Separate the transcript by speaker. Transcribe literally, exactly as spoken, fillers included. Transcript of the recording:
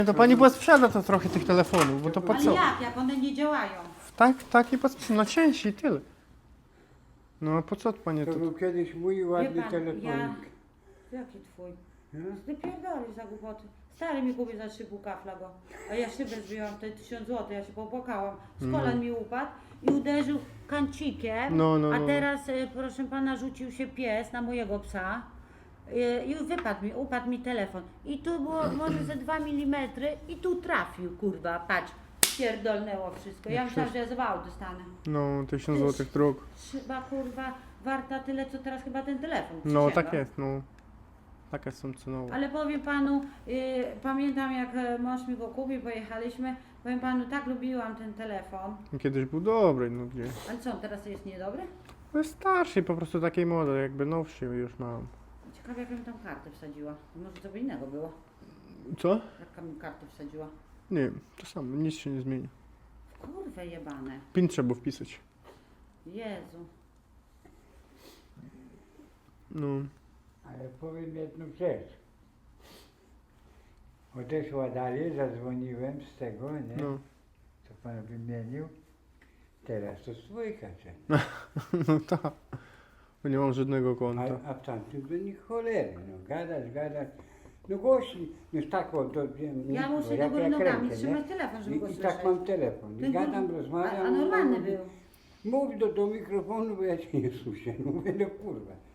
Speaker 1: To pani posprzeda to trochę tych telefonów, bo to po
Speaker 2: Ale
Speaker 1: co?
Speaker 2: jak, jak one nie działają?
Speaker 1: Tak, tak i posprzeda. No części i tyle. No a po co panie
Speaker 3: To
Speaker 1: to?
Speaker 3: był kiedyś mój ładny
Speaker 2: Wie pan,
Speaker 3: telefonik.
Speaker 2: ja... Jaki twój?
Speaker 3: No?
Speaker 2: Ty pierdolisz za głupoty. Stary mi kupił za trzy pół kafla go. A ja szybę zbiłam, to tysiąc złotych, ja się popłakałam. Z kolan mi upadł i uderzył kancikiem.
Speaker 1: No, no,
Speaker 2: A
Speaker 1: no.
Speaker 2: teraz, y, proszę pana, rzucił się pies na mojego psa. y, I wypadł mi, upadł mi telefon. I tu było może ze dwa milimetry i tu trafił, kurwa, patrz. Pierdolnęło wszystko. Ja myślałam, że ja zawał dostanę.
Speaker 1: No, tysiąc złotych dróg.
Speaker 2: Chyba, kurwa, warta tyle, co teraz chyba ten telefon.
Speaker 1: No
Speaker 2: Przysięgam.
Speaker 1: tak jest, no. Takie są cenowe.
Speaker 2: Ale powiem panu, y, pamiętam jak e, mąż mi go kupił, pojechaliśmy, powiem panu, tak lubiłam ten telefon.
Speaker 1: Kiedyś był dobry, no gdzie?
Speaker 2: Ale co, on teraz jest niedobry?
Speaker 1: To jest starszy, po prostu takiej model, jakby nowszy już mam.
Speaker 2: Ciekawe jak mi tam kartę wsadziła. Może co by innego było.
Speaker 1: Co?
Speaker 2: Jaka mi kartę wsadziła.
Speaker 1: Nie wiem, to samo, nic się nie zmieni.
Speaker 2: Kurwa jebane.
Speaker 1: PIN trzeba wpisać.
Speaker 2: Jezu.
Speaker 1: No.
Speaker 3: Ale powiem jedną rzecz. Odeszła dalej, zadzwoniłem z tego, nie?
Speaker 1: No.
Speaker 3: Co pan wymienił. Teraz to swójka, że?
Speaker 1: No tak. Bo nie mam żadnego
Speaker 3: A,
Speaker 1: konta.
Speaker 3: a w tamtym to nie cholery, no gadać, gadać. No głośniej, no tak o, to wiem.
Speaker 2: Ja
Speaker 3: no,
Speaker 2: muszę do
Speaker 3: jak-
Speaker 2: góry
Speaker 3: jak
Speaker 2: nogami
Speaker 3: rękę, nie?
Speaker 2: trzymać telefon, żeby go
Speaker 3: I, I
Speaker 2: słyszeć.
Speaker 3: tak mam telefon. I
Speaker 2: Ten
Speaker 3: gadam,
Speaker 2: kur-
Speaker 3: rozmawiam.
Speaker 2: A, a normalny
Speaker 3: mówię,
Speaker 2: był.
Speaker 3: Mów do, do mikrofonu, bo ja cię nie słyszę. Mówię, no kurwa.